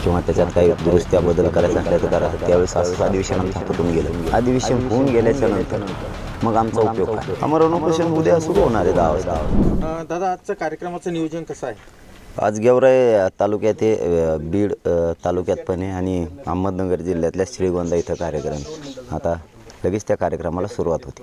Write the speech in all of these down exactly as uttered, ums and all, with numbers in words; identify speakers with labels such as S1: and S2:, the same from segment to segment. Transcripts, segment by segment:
S1: किंवा त्याच्यात काही दुरुस्त्या बदल करायचा असल्या तर करा, त्यावेळेस असं अधिवेशन आमच्या हातातून गेलं. अधिवेशन होऊन गेल्याच्या नंतर मग आमचा उपयोग काय? आमरण उपोषण उद्या सुरू होणार आहे दहा वाजता.
S2: अ, दादा आजचं कार्यक्रमाचं नियोजन कसं आहे?
S1: आज गेवराई तालुक्यात आहे, बीड अ, तालुक्यात पण आहे आणि अहमदनगर जिल्ह्यातल्या श्रीगोंदा इथं कार्यक्रम. आता लगेच त्या कार्यक्रमाला सुरुवात होती.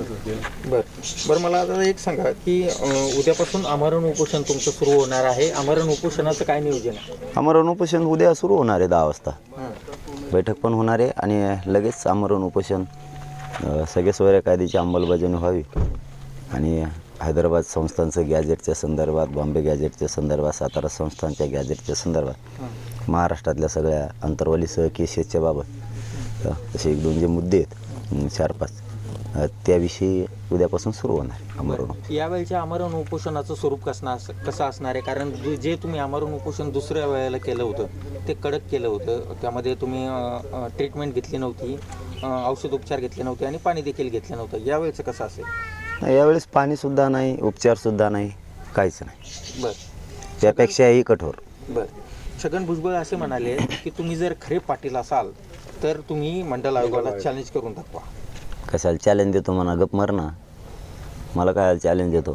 S2: बरं बरं मला आता एक सांगा की अ, उद्यापासून आमरण उपोषण तुमचं सुरू होणार आहे. आमरण उपोषणाचं काय नियोजन आहे?
S1: आमरण उपोषण उद्या सुरू होणार आहे दहा वाजता.
S2: हां.
S1: बैठक पण होणार आहे आणि लगेच आमरण उपोषण अ, सगळे सोयऱ्या कायद्याची अंमलबजावणी व्हावी आणि हैदराबाद संस्थांचं गॅजेटच्या संदर्भात, बॉम्बे गॅजेटच्या संदर्भात, सातारा संस्थांच्या गॅजेटच्या संदर्भात, महाराष्ट्रातल्या सगळ्या अंतर्वालीसह केसेसच्या बाबत अ, असे एक दोन जे मुद्दे आहेत चार पाच अ, त्याविषयी उद्यापासून सुरू होणार आहे आमरण उपोषण.
S2: यावेळच्या आमरण उपोषणाचं स्वरूप कसं अस कसं असणार आहे? कारण जे जे तुम्ही आमरण उपोषण दुसऱ्या वेळेला केलं होतं ते कडक केलं होतं. त्यामध्ये तुम्ही ट्रीटमेंट घेतली नव्हती, अ, औषधोपचार घेतले नव्हते आणि पाणी देखील घेतलं नव्हतं. यावेळेचं कसं असेल?
S1: नाही, यावेळेस पाणीसुद्धा नाही, उपचारसुद्धा नाही, काहीच नाही.
S2: बरं
S1: त्यापेक्षाही कठोर.
S2: बरं छगन भुजबळ असे म्हणाले की तुम्ही जर खरे पाटील असाल तर तुम्ही मंडल आयोगाला चॅलेंज करून दाखवा.
S1: कशाला चॅलेंज देतो म्हणा, गप मर ना. मला काय चॅलेंज देतो?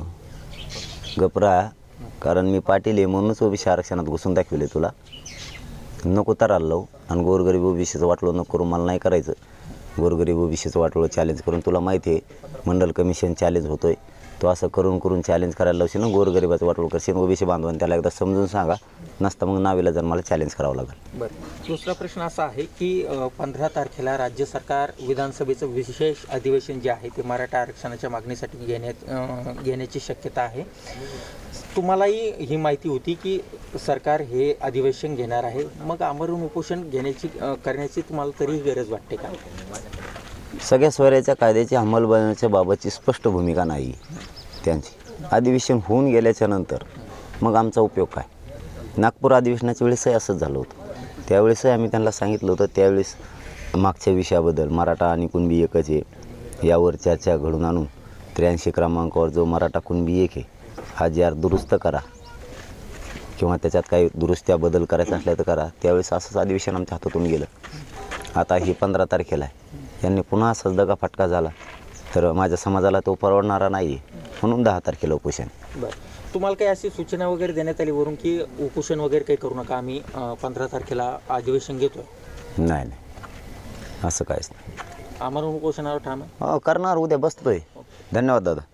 S1: गप राहा, कारण मी पाटील आहे म्हणूनच ओबीसी आरक्षणात घुसून दाखविले तुला. नको तराला लावू आणि गोरगरीब ओबीसीचं वाटलं नको करून मला नाही करायचं. गोरगरीब ओबीसीचं वाटलं चॅलेंज करून तुला माहिती आहे मंडल कमिशन चॅलेंज होतो आहे. तो असं करून करून चॅलेंज करायला लावशील ना, गोरगरिबाचं वाटलं करशील, ओबीसी बांधवांनी त्याला एकदा समजून सांगा, नसता मग नावीला जर मला चॅलेंज करावं लागेल.
S2: बरं दुसरा प्रश्न असा आहे की पंधरा तारखेला राज्य सरकार विधानसभेचं विशेष अधिवेशन जे आहे ते मराठा आरक्षणाच्या मागणीसाठी घेण्यात अ, घेण्याची शक्यता आहे. तुम्हालाही ही माहिती होती की सरकार हे अधिवेशन घेणार आहे, मग आमरण उपोषण घेण्याची अ, करण्याची तुम्हाला तरीही गरज वाटते का?
S1: सगळ्या स्वराज्याच्या कायद्याची अंमलबजावणीच्या बाबतची स्पष्ट भूमिका नाही त्यांची. अधिवेशन होऊन गेल्याच्या नंतर मग आमचा उपयोग काय? नागपूर अधिवेशनाच्या वेळेसही असंच झालं होतं. त्यावेळेसही आम्ही त्यांना सांगितलं होतं, त्यावेळेस मागच्या विषयाबद्दल मराठा आणि कुणबी एकच आहे यावर चर्चा घडून आणून त्र्याऐंशी क्रमांकावर जो मराठा कुणबी एक आहे हा जी आर दुरुस्त करा किंवा त्याच्यात काही दुरुस्त्या बदल करायचा असल्या तर करा. त्यावेळेस असंच अधिवेशन आमच्या हातातून गेलं. आता ही पंधरा तारखेला आहे, यांनी पुन्हा असाच दगा फटका झाला तर माझ्या समाजाला तो परवडणारा नाही आहे, म्हणून दहा तारखेला उपोषण.
S2: बरं तुम्हाला काही अशी सूचना वगैरे देण्यात आली वरून की उपोषण वगैरे काही करू नका, आम्ही पंधरा तारखेला अधिवेशन घेतोय?
S1: नाही नाही असं काहीच नाही.
S2: आमरण उपोषणावर ठाम आहे?
S1: हो करणार, उद्या बसतोय. धन्यवाद दादा.